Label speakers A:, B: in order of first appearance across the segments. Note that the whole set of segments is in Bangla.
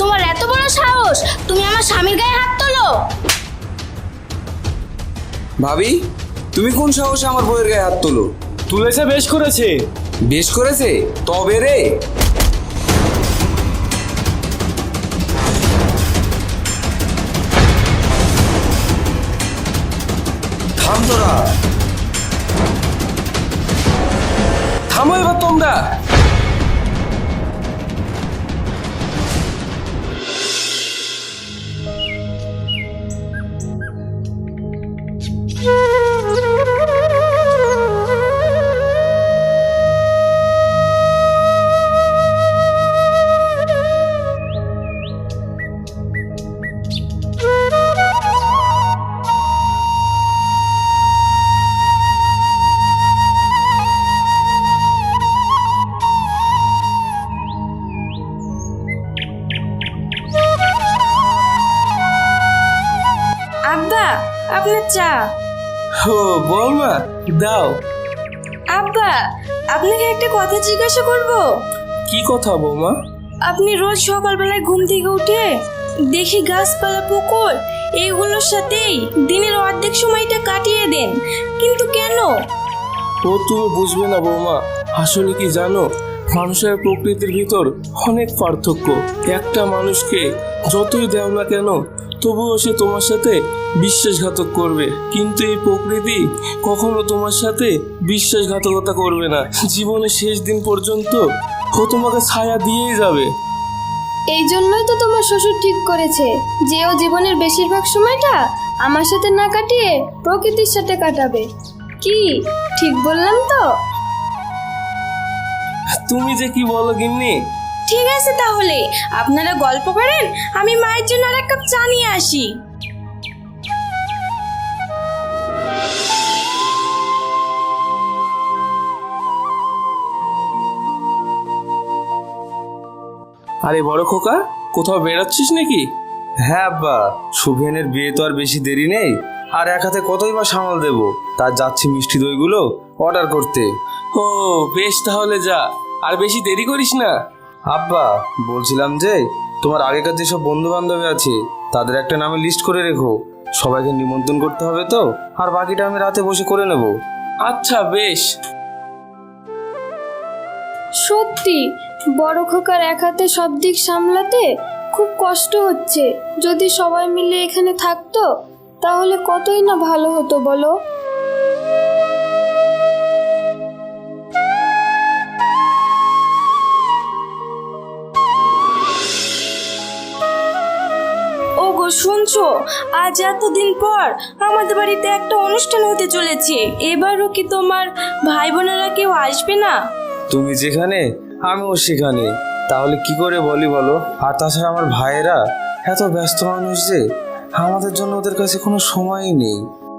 A: তোমার এত বড় সাহস, তুমি আমার স্বামীর গায়ে হাত তোলো?
B: ভাবি, তুমি কোন সাহসে আমার বউয়ের গায়ে হাত তোলো?
C: তুলেছে, বেশ করেছে।
B: বেশ করেছে তবে রে। থাম তোরা,
C: থামো এবার তোমরা।
D: আব্বা, আপনার চা।
C: ও বৌমা, দাও।
D: আব্বা, আপনাকে একটা কথা জিজ্ঞাসা করব।
C: কি কথা বৌমা?
D: আপনি রোজ সকালবেলায় ঘুম থেকে উঠে দেখি গাছপালা, পুকুর এইগুলোর সাথেই দিনের অর্ধেক সময়টা কাটিয়ে দেন, কিন্তু কেন?
C: ও তুমি বুঝবে না বৌমা, আসলে কি জানো, মানুষের প্রকৃতির ভিতর অনেক পার্থক্য। একটা মানুষকে যতই দেও না কেন, তবুও সে তোমার সাথে বিশ্বাসঘাতক করবে, কিন্তু এই প্রকৃতি কখনো তোমার সাথে বিশ্বাসঘাতকতা করবে না। জীবনের শেষ দিন পর্যন্ত ও তোমাকে ছায়া দিয়েই যাবে।
A: এই জন্যই তো তোমার শ্বশুর ঠিক করেছে যে ও জীবনের বেশিরভাগ সময়টা আমার সাথে না কাটিয়ে প্রকৃতির সাথে কাটাবে। কি ঠিক বললাম তো?
C: তুমি যে কি বলো গিন্নি।
D: ঠিক আছে, তাহলে আপনারা গল্প করেন, আমি মায়ের জন্য আর এক কাপ চা নিয়ে আসি।
C: আরে বড় খোকা, কোথাও বেরোচ্ছিস নাকি?
B: হ্যাঁ আব্বা, শুভেনের বিয়ে তো আর বেশি দেরি নেই, আর এক হাতে কতই বা সামাল দেবো, তার যাচ্ছি মিষ্টি দইগুলো অর্ডার করতে।
C: ও বেশ, তাহলে যা, আর বেশি দেরি করিস না।
B: আব্বা, বলছিলাম যে তোমার আগেকার যেসব বন্ধু বান্ধবী আছে তাদের একটা নামে লিস্ট করে রেখো, সবাইকে নিমন্ত্রণ করতে হবে তো, আর বাকিটা আমি রাতে বসে করে নেব।
C: আচ্ছা বেশ।
A: সত্যি বড় খোকার এক হাতে সব দিক সামলাতে খুব কষ্ট হচ্ছে। যদি সবাই মিলে এখানে থাকতো তাহলে কতই না ভালো হতো বলো।
D: ওগো শুনছো, আজ এতদিন পর আমাদের বাড়িতে একটা অনুষ্ঠান হতে চলেছে। এবারও কি তোমার ভাই বোনেরা কেউ আসবে না?
B: তুমি যেখানে আমিও সেখানে, তাহলে কি করে বলি বলো? আর তাছাড়া আমার ভাইয়েরা এত ব্যস্ত মানুষ যে আমাদের জন্য ওদের কাছে কোনো সময়ই নেই।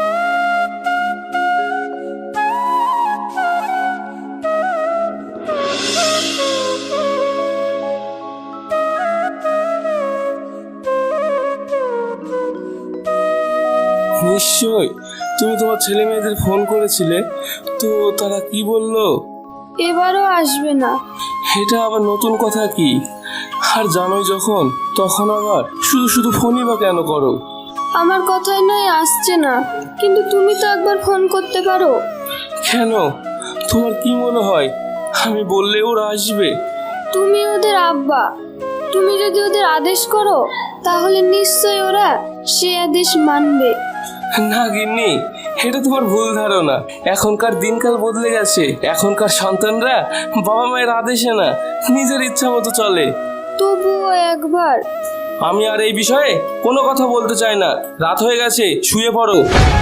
C: নিশ্চয় তুমি তোমার ছেলে মেয়েদের ফোন করেছিলে, তো তারা কি বললো?
A: এবারও আসবে না।
C: এটা আবার নতুন কথা কি? আর জানোই যখন, তখন আবার শুধু শুধু ফোনই বা কেন করো?
A: আমার কথাই নয় আসছে না, কিন্তু তুমি তো একবার ফোন করতে পারো।
C: কেন, তোমার কি মনে হয় আমি বললে ওরা আসবে?
A: তুমি ওদের আব্বা, তুমি যদি ওদের আদেশ করো তাহলে নিশ্চয়ই ওরা সে আদেশ মানবে।
C: না গিন্নি, এটা তোমার ভুল ধারণা। এখনকার দিনকাল বদলে গেছে, এখনকার সন্তানরা বাবা মায়ের আদেশে না, নিজের ইচ্ছা মতো চলে।
A: তবুও একবার।
C: আমি আর এই বিষয়ে কোনো কথা বলতে চাই না, রাত হয়ে গেছে, শুয়ে পড়ো।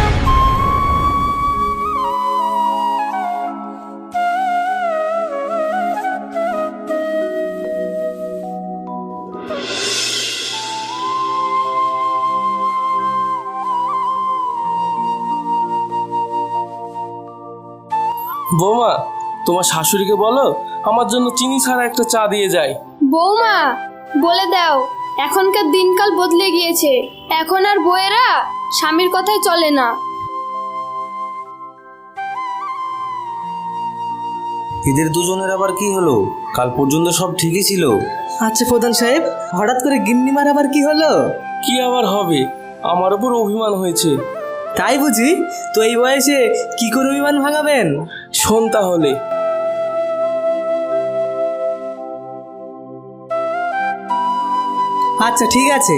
C: বৌমা, তোমার শাশুড়িকে বলো আমার জন্য চিনি ছাড়া একটা চা দিয়ে যায়।
A: বৌমা, বলে দাও এখনকার দিনকাল বদলে গিয়েছে, এখন আর বউয়েরা স্বামীর কথাই চলে না।
B: এদের দুজনের আবার কি হলো? কাল পর্যন্ত সব ঠিকই ছিল।
E: আচ্ছা প্রধান সাহেব, হঠাৎ করে গিন্নিমার আবার কি হলো?
C: কি আবার হবে, আমার উপর অভিমান হয়েছে।
E: তাই বুঝি? তো এই বয়সে কি করে অভিমান ভাঙাবেন?
C: শোন তাহলে।
E: আচ্ছা ঠিক আছে।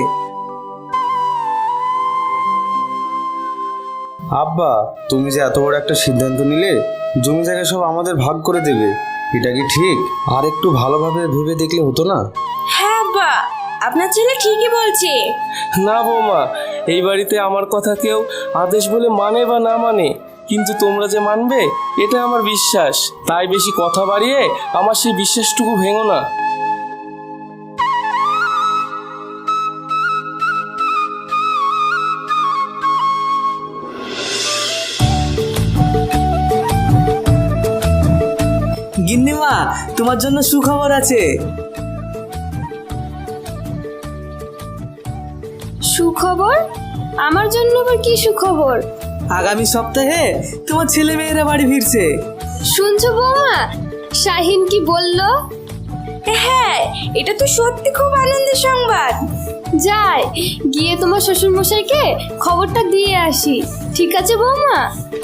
B: আব্বা, তুমি যে এত বড় একটা সিদ্ধান্ত নিলে, জমি জায়গা সব আমাদের ভাগ করে দেবে, এটা কি ঠিক? আর একটু ভালোভাবে ভেবে দেখলে হতো না?
D: হ্যাঁ আব্বা, আপনার ছেলে ঠিকই বলছে।
C: না বৌমা, এই বাড়িতে আমার কথা কেউ আদেশ বলে মানে বা না মানে, কিন্তু তোমরা যে মানবে এটা আমার বিশ্বাস। তাই বেশি কথা বাড়িয়ে আমার সেই বিশ্বাসটুকু ভেঙো না।
E: গিন্নিমা, তোমার জন্য সুখবর আছে।
A: সুখবর? আমার জন্য আবার কি সুখবর?
E: আগামী সপ্তাহে তোমার ছেলে মেয়েরা বাড়ি ফিরছে।
A: শুনছো বৌমা, শাহিন কি বললো?
D: হ্যাঁ, এটা তো সত্যি খুব আনন্দের সংবাদ।
A: যাই গিয়ে তোমার শ্বশুর মশাইকে খবরটা দিয়ে আসি। ঠিক আছে বৌমা?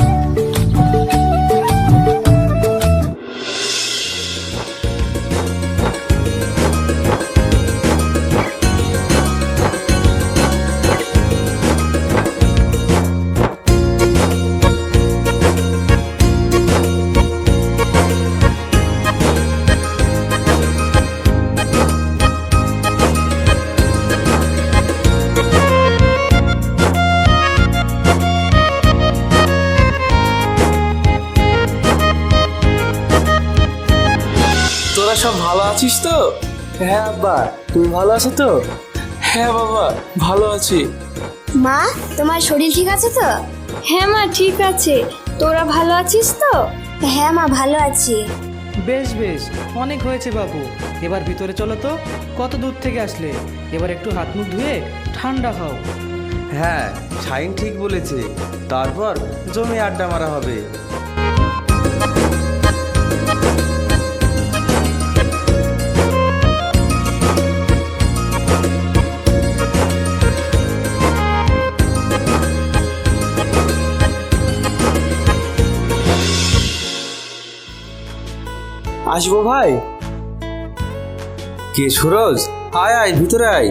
C: তোরা সব ভালো আছিস তো?
E: হ্যাঁ আব্বা, তুমি ভালো আছো তো?
C: হ্যাঁ বাবা, ভালো আছি।
F: মা, তোমার শরীর ঠিক আছে তো?
A: হ্যাঁ মা, ঠিক আছে। তোরা ভালো আছিস তো?
F: হ্যাঁ মা, ভালো আছি।
E: বেশ বেশ, অনেক হয়েছে বাবু, এবার ভিতরে চলো তো। কত দূর থেকে আসলে? এবার একটু হাত মুখ ধুয়ে ঠান্ডা খাও।
B: হ্যাঁ, শাইন ঠিক বলেছে। তারপর জমি আড্ডা মারা হবে।
C: আসবো ভাই?
B: কে সুরজ? আয় আয়, ভিতরে আয়।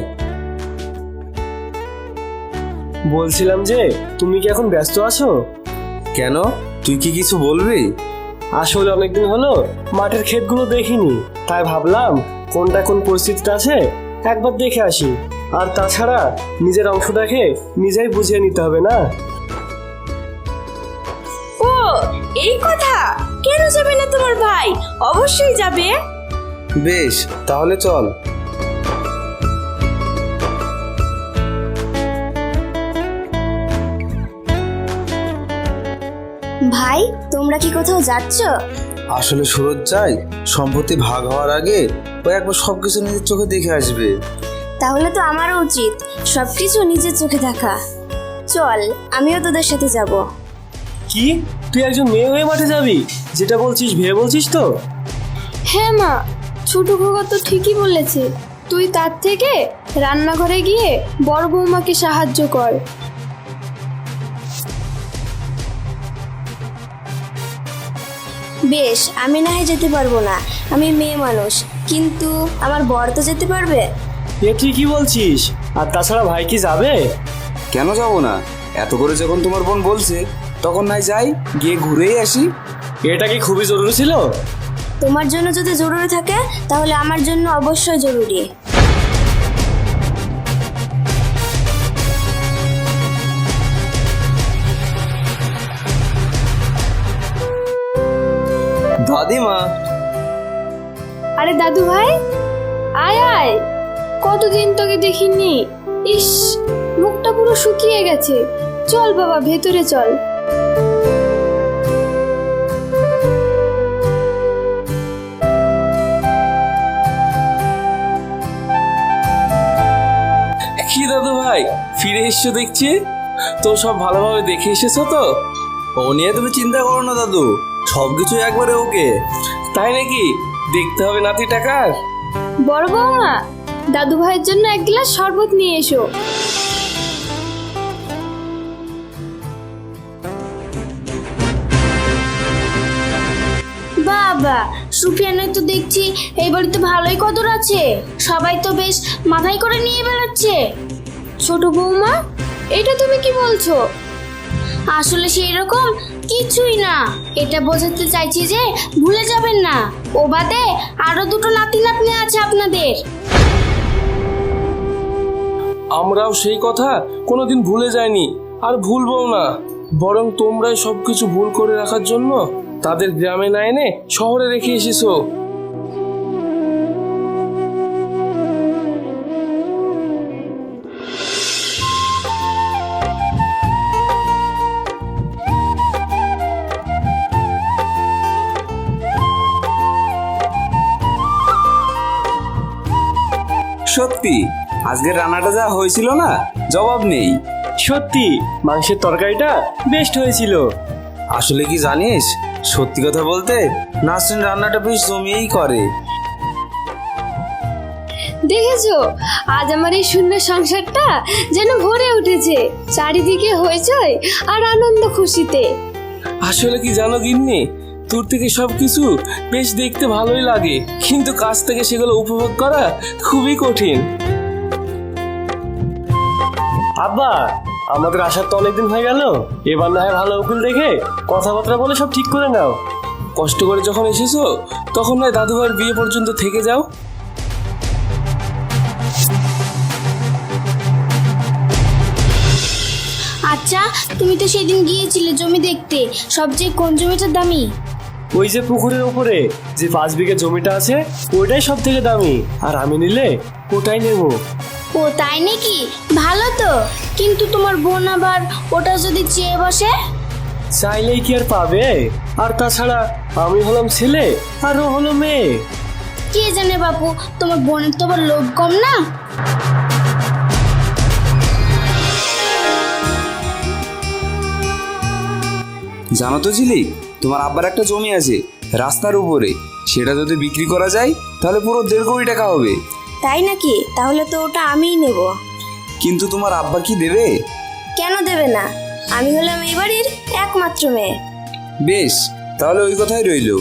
C: বলছিলাম যে তুমি কি এখন ব্যস্ত আছো?
B: কেন, তুই কি কিছু বলবি?
C: আসলে অনেকদিন হলো মাঠের ক্ষেতগুলো দেখিনি, তাই ভাবলাম কোনটা কোন পরিস্থিতিতে আছে একবার দেখে আসি। আর তাছাড়া নিজের অংশটাকে নিজেই বুঝিয়ে নিতে হবে না?
D: ও, এই কথা। কেন যাবে না তোমার ভাই? অবশ্যই যাবে।
B: বেশ, তাহলে চল।
F: ভাই, তোমরা কি কোথাও যাচ্ছ?
B: আসলে সুরজ চাই সম্পত্তি ভাগ হওয়ার আগে ও একবার সবকিছু নিজের চোখে দেখে আসবে।
F: তাহলে তো আমারও উচিত সবকিছু নিজের চোখে দেখা। চল, আমিও তোদের সাথে যাব।
C: কি, তুই একজন মেয়ে হয়ে মাঠে যাবি? যেটা বলছিস ভেবে বলছিস তো?
A: হ্যাঁ মা, ছোট খোকা তো ঠিকই বলেছে। তুই তার থেকে রান্নাঘরে গিয়ে বড় বৌমাকে সাহায্য কর।
F: বেশ, আমি না হয় যেতে পারবো না, আমি মেয়ে মানুষ, কিন্তু আমার বর তো যেতে পারবে।
C: এ ঠিকই বলছিস। আর তাছাড়া ভাই কি যাবে?
B: কেন যাব না? এত করে যখন তোমার বোন বলছে, তখন নাই যাই, গিয়ে ঘুরেই আসি।
C: এটা কি খুবই জরুরি ছিল?
F: তোমার জন্য যদি জরুরি থাকে তাহলে আমার জন্য অবশ্যই জরুরি।
B: দাদিমা।
A: আরে দাদু ভাই, আয় আয়। কতদিন তোকে দেখিনি। ইস, মুখটা পুরো শুকিয়ে গেছে। চল বাবা, ভেতরে চল।
C: কি দাদু ভাই, ফিরে এসছো দেখছি। তো সব ভালোভাবে দেখে এসেছো তো?
B: ও নিয়ে তুমি চিন্তা করো না দাদু, সবকিছু একবারে ওকে।
C: তাই নাকি? দেখতে হবে নাতি টাকার।
A: বড় বৌমা, দাদু ভাইয়ের জন্য এক গ্লাস শরবত নিয়ে এসো।
F: বাবা, সুফিয়ানের তো দেখছি এই বাড়িতে ভালোই কদর আছে, সবাই তো বেশ মাথায় করে নিয়ে বেড়াচ্ছে।
A: ছোট বৌমা, এটা তুমি কি বলছো?
F: আসলে সেই রকম কিছুই না, এটা বোঝাতে চাইছি যে ভুলে যাবেন না, ও বাদে আরো দুটো নাতি নাতনি আছে আপনাদের।
C: আমরাও সেই কথা কোনোদিন ভুলে যাইনি আর ভুলবও না, বরং তোমরাই সবকিছু ভুল করে রাখার জন্য তাদের গ্রামে না এনে শহরে রেখে এসেছো।
B: সত্যি আজকের রান্নাটা যা হয়েছিল না, জবাব নেই।
G: সত্যি মাংসের তরকারিটা বেস্ট হয়েছিল।
B: আসলে কি জানিস, সত্যি কথা বলতে নাসরিন রান্নাটা বেশ জমিয়েই করে।
A: দেখেছো, আজ আমার এই শূন্য সংসারটা যেন ভরে উঠেছে, চারিদিকে হইচই আর আনন্দ খুশিতে।
C: আসলে কি জানো গিন্নি, দূর থেকে সবকিছু বেশ দেখতে ভালোই লাগে, কিন্তু কাছ থেকে সেগুলো উপভোগ করা খুবই কঠিন।
G: আব্বা, আমাদের আসার তো অনেকদিন হয়ে গেল, এবার না হয় ভালো উকিল দেখে কথাবার্তা বলে সব ঠিক করে নাও।
C: কষ্ট করে যখন এসেছো তখন নয় দাদু ভাইয়ের বিয়ে পর্যন্ত থেকে যাও।
F: আচ্ছা, তুমি তো সেদিন গিয়েছিলে জমি দেখতে, সবচেয়ে কোন জমিটা দামি?
G: ওই যে পুকুরের উপরে যে 5 বিঘা জমিটা আছে ওইটাই সব থেকে দামি, আর আমি নিলে ওটাই নেবো।
F: ও তাই নাকি? ভালো তো, কিন্তু তোমার বোন আবার ওটা যদি চেয়ে বসে?
G: চাইলেই কি আর পাবে? আর তাছাড়া আমি হলাম ছেলে আর ও হলো মেয়ে।
F: কে জানে বাপু, তোমার বোনের তো আবার লোভ কম না।
B: জানো তো ঝিলিক, তোমার আব্বার একটা জমি আছে রাস্তার উপরে, সেটা যদি বিক্রি করা যায় তাহলে পুরো 1.5 কোটি টাকা হবে।
F: তাই নাকি? তাহলে তো ওটা আমিই নেব।
B: কিন্তু তোমার আব্বা কি দেবে?
F: কেন দেবে না? আমি হলাম এই বাড়ির একমাত্র মেয়ে।
B: বেশ, তাহলে ওই কথাই রইলো।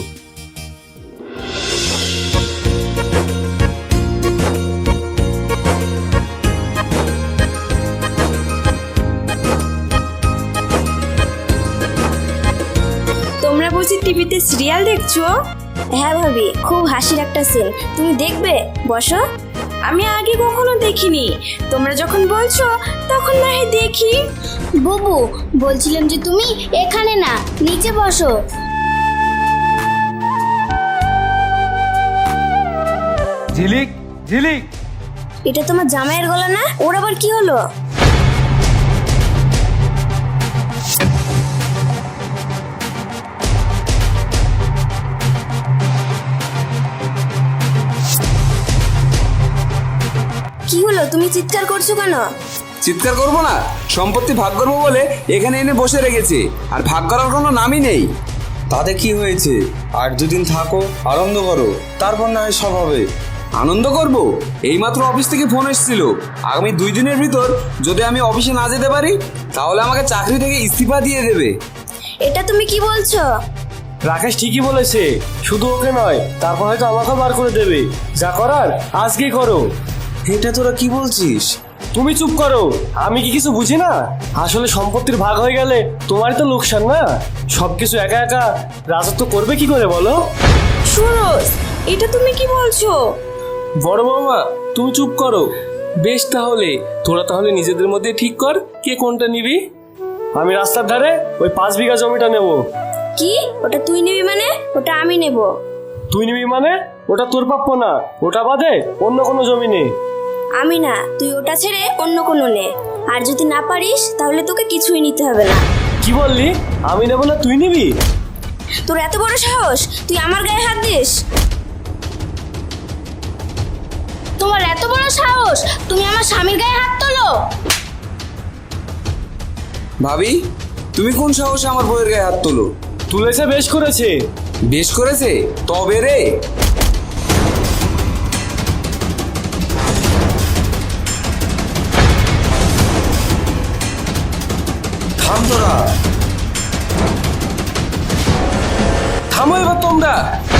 D: তোমরা বুঝি টিভিতে সিরিয়াল দেখছো?
F: হ্যাঁ ভাবি, খুব হাসির একটা সিন, তুমি দেখবে, বসো।
D: আমি আগে কখনো দেখিনি, তোমরা যখন বলছো তখন না হয় দেখি।
F: বুবু, বলছিলাম যে তুমি এখানে না, নিচে বসো।
G: ঝিলিক, ঝিলিক,
F: এটা তোমার জামাইয়ের গলা না? ওর আবার কি হলো? কি হলো, তুমি চিৎকার করছো কেন?
B: চিৎকার করবো না? সম্পত্তি ভাগ করবো বলে এখানে এনে বসে রেখেছে, আর ভাগ করার কোনো নামই নেই। তাতে কি হয়েছে? আর 2 দিন থাকো, আনন্দ করো, তারপর না হয় সব হবে। আনন্দ করব? এইমাত্র অফিস থেকে ফোন এসেছিল, আগামী 2 দিনের ভিতর যদি আমি অফিসে না যেতে পারি তাহলে আমাকে চাকরি থেকে ইস্তিফা দিয়ে দেবে।
F: এটা তুমি কি বলছো?
G: রাকেশ ঠিকই বলেছে, শুধু ওকে নয়, তারপর হয়তো আমাকেও বার করে দেবে। যা করার আজকেই করো।
B: এটা তোরা কি বলছিস?
G: তুমি চুপ করো, আমি কি কিছু বুঝি না? আসলে সম্পত্তির ভাগ হয়ে গেলে তোমারই তো লোকসান না? সবকিছু একা একা রাজত্ব করবে কি করে বলো?
D: সুরজ, এটা তুমি কি বলছো?
C: বড় বৌমা, তুমি চুপ করো। বেশ, তাহলে তোরা তাহলে নিজেদের মধ্যে ঠিক কর কে কোনটা নিবি।
G: আমি রাস্তার ধারে ওই 5 বিঘা জমিটা নেব।
F: কি? ওটা তুই নিবি মানে? ওটা আমি নেব।
G: তুই নিবি মানে? ওটা তোর প্রাপ্য না, ওটা বাদে অন্য কোনো জমি নেই।
F: আমি না, তুই ওটা ছেড়ে অন্য কোনো নে, আর যদি না পারিস তাহলে তোকে কিছুই নিতে হবে না।
G: কি বললি? আমি নেব না, তুই নিবি?
F: তোর এত বড় সাহস, তুই আমার গায়ে হাত দিস? তোমার এত বড় সাহস, তুমি আমার স্বামীর গায়ে হাত তোলো?
B: ভাবি, তুমি কোন সাহসে আমার বউয়ের গায়ে হাত তোলো?
G: তুলেছে, বেশ করেছে।
B: বেশ করেছে? তবে রে, থাম তোরা।
C: থামো এবার তোমরা।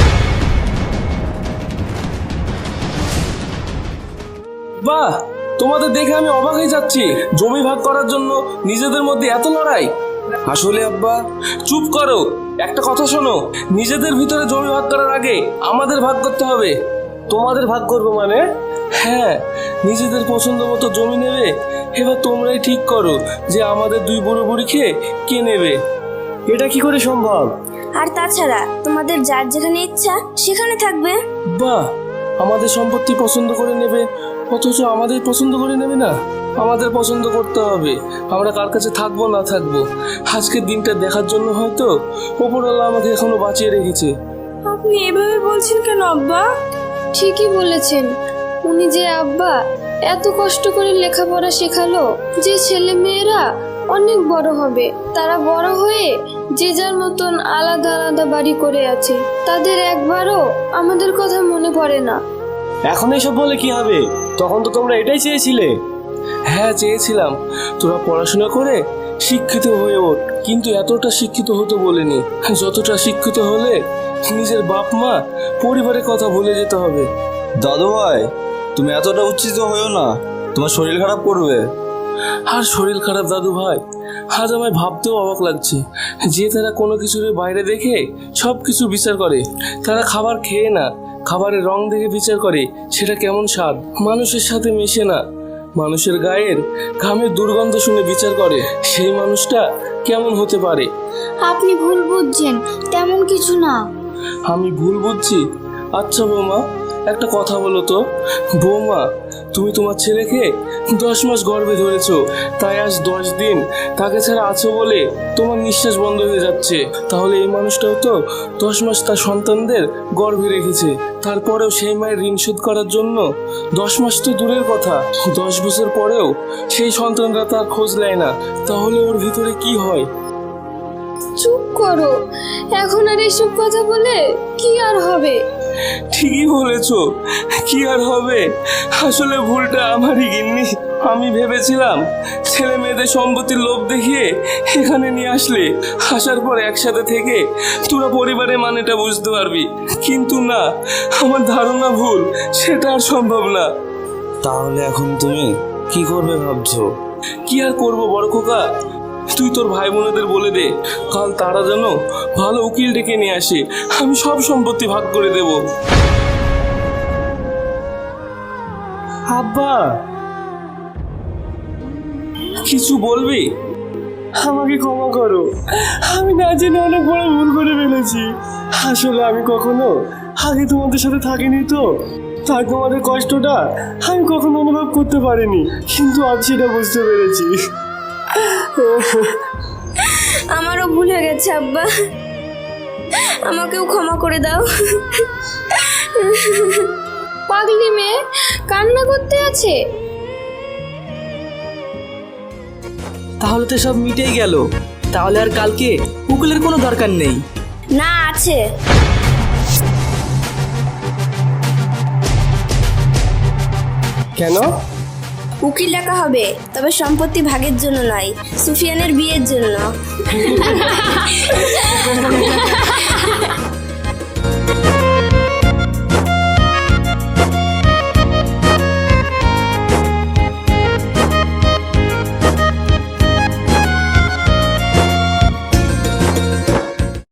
C: বাহ, তোমাদের দেখে আমি অবাক হয়ে যাচ্ছি। জমি ভাগ করার জন্য নিজেদের মধ্যে এত লড়াই।
B: আসলে আব্বা,
C: চুপ করো, একটা কথা শোনো। নিজেদের ভিতরে জমি ভাগ করার আগে আমাদের ভাগ করতে হবে।
G: তোমাদের ভাগ করবো মানে?
C: হ্যাঁ, নিজেদের পছন্দ মতো জমি নেবে। এবার তোমরাই ঠিক করো যে আমাদের দুই বুড়ো বুড়িকে কে নেবে।
G: এটা কি করে সম্ভব?
D: আর তাছাড়া তোমাদের যার যেখানে ইচ্ছা সেখানে থাকবে।
C: বাহ, আমাদের সম্পত্তি পছন্দ করে নেবে, অথচ আমাদের পছন্দ করে নেবে না। আমাদের পছন্দ করতে হবে আমরা কার কাছে থাকবো না থাকবো। আজকের দিনটা দেখার জন্য হয়তো ওপরওয়ালা আমাকে এখনো বাঁচিয়ে রেখেছে।
D: আপনি এভাবে বলছেন কেন আব্বা?
A: ঠিকই বলেছেন। উনি যে আব্বা এত কষ্ট করে লেখাপড়া শেখালো, যে ছেলে মেয়েরা অনেক বড় হবে, তারা বড় হয়ে যে যার মতন আলাদা আলাদা বাড়ি করে আছে, তাদের একবারও আমাদের কথা মনে পড়ে না।
G: এখন এসব বলে কি হবে? তখন তো তোমরা এটাই চেয়েছিলে।
C: হ্যাঁ, চেয়েছিলাম তোরা পড়াশোনা করে শিক্ষিত হয়ে ওঠ, কিন্তু এতটা শিক্ষিত হতে বলিনি। যতটা শিক্ষিত হলে নিজের বাপ মা পরিবারের কথা ভুলে যেতে হবে।
B: দাদু ভাই, তুমি এতটা উচ্ছিষ্ট হয়েও না, তোমার শরীর খারাপ করবে।
C: আর শরীর খারাপ দাদু ভাই, আজ আমায় ভাবতেও অবাক লাগছে যে তারা কোনো কিছুর বাইরে দেখে সব কিছু বিচার করে। তারা খাবার খেয়ে না, খাবারের রং দেখে বিচার করে সেটা কেমন স্বাদ। মানুষের সাথে মেশে না, মানুষের গায়ের ঘামের দুর্গন্ধ শুনে বিচার করে সেই মানুষটা কেমন হতে পারে।
F: আপনি ভুল বুঝছেন, তেমন কিছু না।
C: আমি ভুল বুঝছি? আচ্ছা বৌমা, একটা কথা বলো তো। বৌমা, তুমি তোমার ছেলেকে 10 মাস গর্ভে ধরেছো, তাই আজ 10 দিন তাকে ছাড়া আছো বলে তোমার নিঃশ্বাস বন্ধ হয়ে যাচ্ছে। তাহলে এই মানুষটাও তো 10 মাস তার সন্তানদের গর্ভে রেখেছে, তারপরেও সেই মায়ের ঋণ শোধ করার জন্য 10 মাস তো দূরের কথা, 10 বছর পরেও সেই সন্তানরা তার খোঁজ নেয় না। তাহলে ওর ভিতরে কি হয়?
A: চুপ করো, এখন আর এসব কথা বলে কি আর হবে?
C: ঠিকই বলেছো, কি আর হবে। আসলে ভুলটা আমারই গিন্নি। আমি ভেবেছিলাম ছেলে মেয়েদের সম্পত্তির লোভ দেখিয়ে এখানে নিয়ে আসলে, আসার পর একসাথে থেকে তোরা পরিবারের মানেটা বুঝতে পারবি, কিন্তু না, আমার ধারণা ভুল, সেটা আর সম্ভব না।
B: তাহলে এখন তুমি কি করবে ভাবছো?
C: কি আর করবো বড় খোকা, তুই তোর ভাই বোনেদের বলে দে কাল তারা যেন ভালো উকিল ডেকে নিয়ে আসে, আমি সব সম্পত্তি ভাগ করে দেব।
G: আব্বা,
C: কিছু বলবি?
G: আমাকে ক্ষমা করো, আমি না জেনে অনেক বড় ভুল করে ফেলেছি। আসলে আমি কখনো আগে তোমাদের সাথে থাকিনি তো, তাই তোমাদের কষ্টটা আমি কখনো অনুভব করতে পারিনি, কিন্তু আজ সেটা বুঝতে পেরেছি।
D: আমারও ভুল হয়ে গেছে আব্বা, আমাকেও ক্ষমা করে দাও।
A: পাগলি মেয়ে কান্না করতে আছে।
E: তাহলে তো সব মিটেই গেল। তাহলে আর কালকে উকিলের কোনো দরকার নেই।
D: না, আছে।
G: কেন?
D: উকিল ডাকা হবে, তবে সম্পত্তি ভাগের জন্য নয়, সুফিয়ানের বিয়ের জন্য।